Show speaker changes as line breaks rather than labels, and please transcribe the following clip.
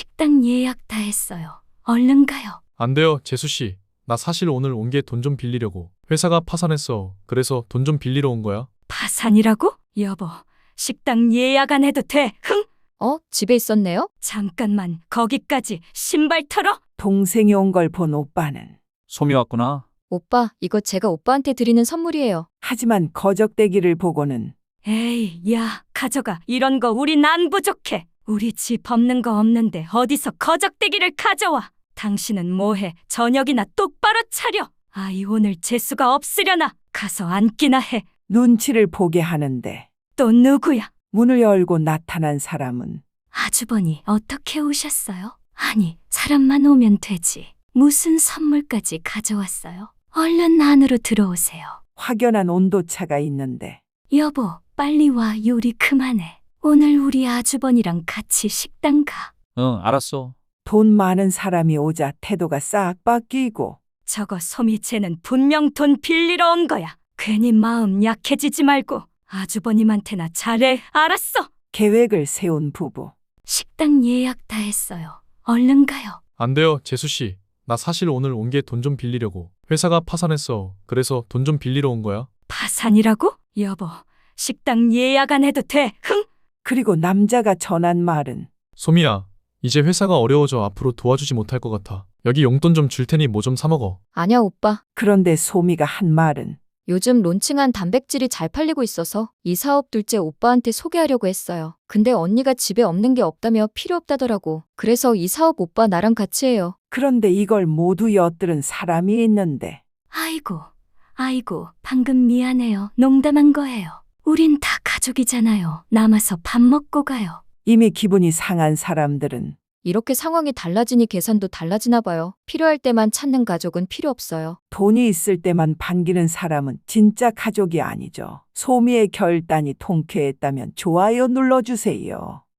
식당 예약 다 했어요. 얼른 가요.
안 돼요, 재수씨. 나 사실 오늘 온 게 돈 좀 빌리려고. 회사가 파산했어. 그래서 돈 좀 빌리러 온 거야.
파산이라고? 여보, 식당 예약 안 해도 돼. 흥!
집에 있었네요?
잠깐만, 거기까지 신발 털어?
동생이 온 걸 본 오빠는
솜이 왔구나.
오빠, 이거 제가 오빠한테 드리는 선물이에요.
하지만 거적대기를 보고는
에이, 야, 가져가. 이런 거 우린 안 부족해. 우리 집 없는 거 없는데 어디서 거적대기를 가져와. 당신은 뭐해? 저녁이나 똑바로 차려. 아이 오늘 재수가 없으려나? 가서 앉기나 해.
눈치를 보게 하는데
또 누구야?
문을 열고 나타난 사람은
아주버니 어떻게 오셨어요? 아니, 사람만 오면 되지. 무슨 선물까지 가져왔어요? 얼른 안으로 들어오세요.
확연한 온도차가 있는데
여보, 빨리 와. 요리 그만해. 오늘 우리 아주버니랑 같이 식당 가.
응, 알았어.
돈 많은 사람이 오자 태도가 싹 바뀌고
저거 소미채는 분명 돈 빌리러 온 거야. 괜히 마음 약해지지 말고 아주버님한테나 잘해. 알았어?
계획을 세운 부부.
식당 예약 다 했어요. 얼른 가요.
안 돼요, 재수씨. 나 사실 오늘 온 게 돈 좀 빌리려고. 회사가 파산했어. 그래서 돈 좀 빌리러 온 거야.
파산이라고? 여보, 식당 예약 안 해도 돼. 흥!
그리고 남자가 전한 말은
소미야, 이제 회사가 어려워져 앞으로 도와주지 못할 것 같아. 여기 용돈 좀 줄 테니 뭐 좀 사 먹어.
아니야, 오빠.
그런데 소미가 한 말은
요즘 론칭한 단백질이 잘 팔리고 있어서 이 사업 둘째 오빠한테 소개하려고 했어요. 근데 언니가 집에 없는 게 없다며 필요 없다더라고. 그래서 이 사업 오빠 나랑 같이 해요.
그런데 이걸 모두 엿들은 사람이 있는데
아이고, 방금 미안해요. 농담한 거예요. 우린 다 가족이잖아요. 남아서 밥 먹고 가요.
이미 기분이 상한 사람들은
이렇게 상황이 달라지니 계산도 달라지나 봐요. 필요할 때만 찾는 가족은 필요 없어요.
돈이 있을 때만 반기는 사람은 진짜 가족이 아니죠. 소미의 결단이 통쾌했다면 좋아요 눌러주세요.